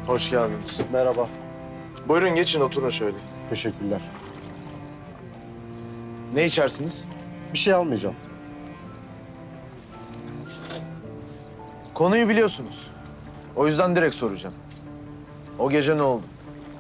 Hoş geldiniz. Merhaba. Buyurun geçin oturun şöyle. Teşekkürler. Ne içersiniz? Bir şey almayacağım. Konuyu biliyorsunuz. O yüzden direkt soracağım. O gece ne oldu?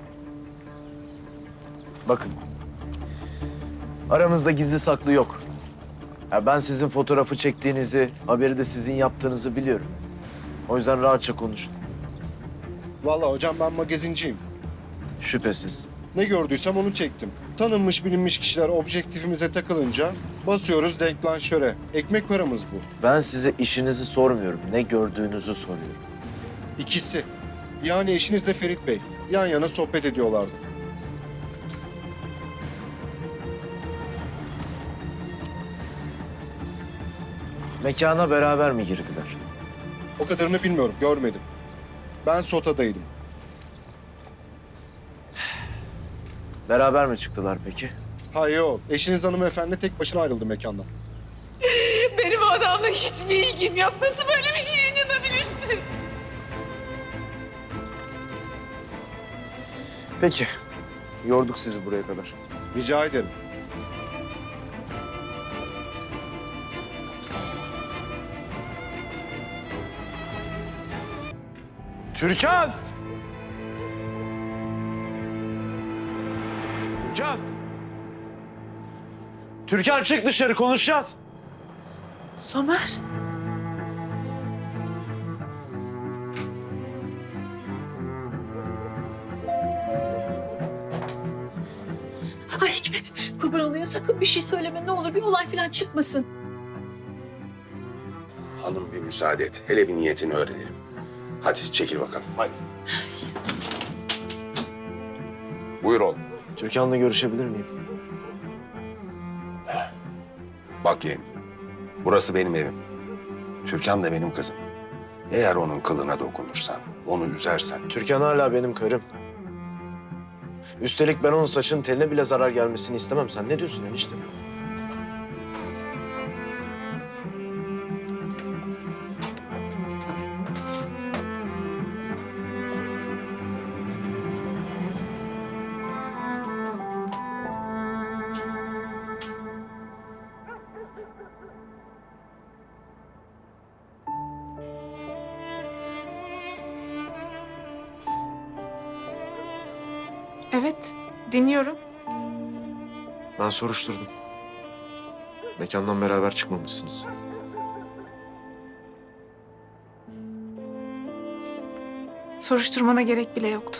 Bakın. Aramızda gizli saklı yok. Ya ben sizin fotoğrafı çektiğinizi, haberi de sizin yaptığınızı biliyorum. O yüzden rahatça konuşun. Vallahi hocam ben magazinciyim. Şüphesiz. Ne gördüysem onu çektim. Tanınmış bilinmiş kişiler objektifimize takılınca basıyoruz denklanşöre. Ekmek paramız bu. Ben size işinizi sormuyorum. Ne gördüğünüzü soruyorum. İkisi. Yani eşiniz de Ferit Bey. Yan yana sohbet ediyorlardı. Mekana beraber mi girdiler? O kadarını bilmiyorum, görmedim. Ben sotadaydım. Beraber mi çıktılar peki? Hayır yok. Eşiniz hanımefendi tek başına ayrıldı mekandan. Benim o adamla hiçbir ilgim yok. Nasıl böyle bir şeye inanabilirsin? Peki. Yorduk sizi buraya kadar. Rica ederim. Türkan! Türkan! Türkan çık dışarı konuşacağız. Somer. Ay Hikmet, kurban olayım sakın bir şey söyleme ne olur. Bir olay falan çıkmasın. Hanım bir müsaade et. Hele bir niyetini öğrenelim. Hadi çekil bakalım. Hadi. Buyur oğlum. Türkan'la görüşebilir miyim? Bak yeğenim. Burası benim evim. Türkan da benim kızım. Eğer onun kılına dokunursan, onu üzersen... Türkan hala benim karım. Üstelik ben onun saçının teline bile zarar gelmesini istemem. Sen ne diyorsun enişte? Evet, dinliyorum. Ben soruşturdum. Mekandan beraber çıkmamışsınız. Soruşturmana gerek bile yoktu.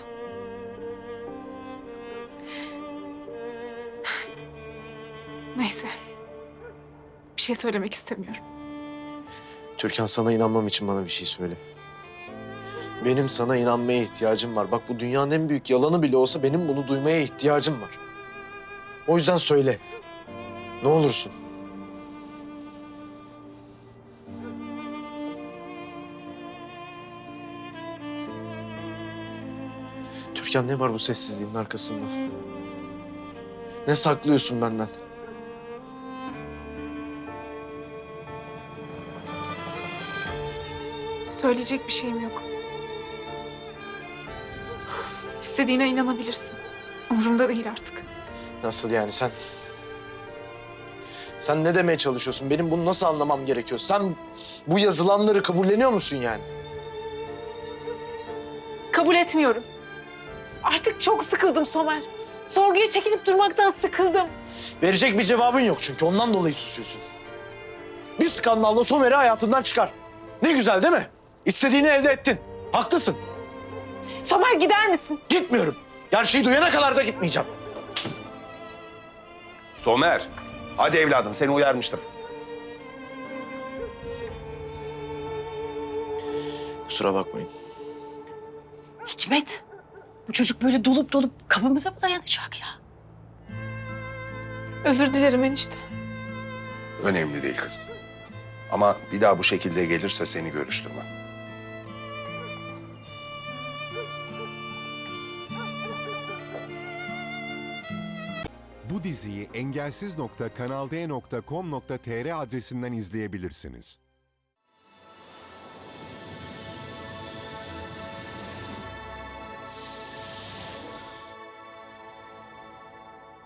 Neyse. Bir şey söylemek istemiyorum. Türkan sana inanmam için bana bir şey söyle. Benim sana inanmaya ihtiyacım var. Bak bu dünyanın en büyük yalanı bile olsa benim bunu duymaya ihtiyacım var. O yüzden söyle. Ne olursun. Türkan ne var bu sessizliğin arkasında? Ne saklıyorsun benden? Söyleyecek bir şeyim yok. İstediğine inanabilirsin. Umurumda değil artık. Nasıl yani sen? Sen ne demeye çalışıyorsun? Benim bunu nasıl anlamam gerekiyor? Sen bu yazılanları kabulleniyor musun yani? Kabul etmiyorum. Artık çok sıkıldım Somer. Sorguya çekilip durmaktan sıkıldım. Verecek bir cevabın yok çünkü ondan dolayı susuyorsun. Bir skandalla Somer'i hayatından çıkar. Ne güzel değil mi? İstediğini elde ettin. Haklısın. Somer gider misin? Gitmiyorum. Gerçeği duyana kadar da gitmeyeceğim. Somer, hadi evladım seni uyarmıştım. Kusura bakmayın. Hikmet, bu çocuk böyle dolup kapımıza mı dayanacak ya? Özür dilerim enişte. Önemli değil kızım. Ama bir daha bu şekilde gelirse seni görüştürmem. Bu diziyi engelsiz.kanalde.com.tr adresinden izleyebilirsiniz.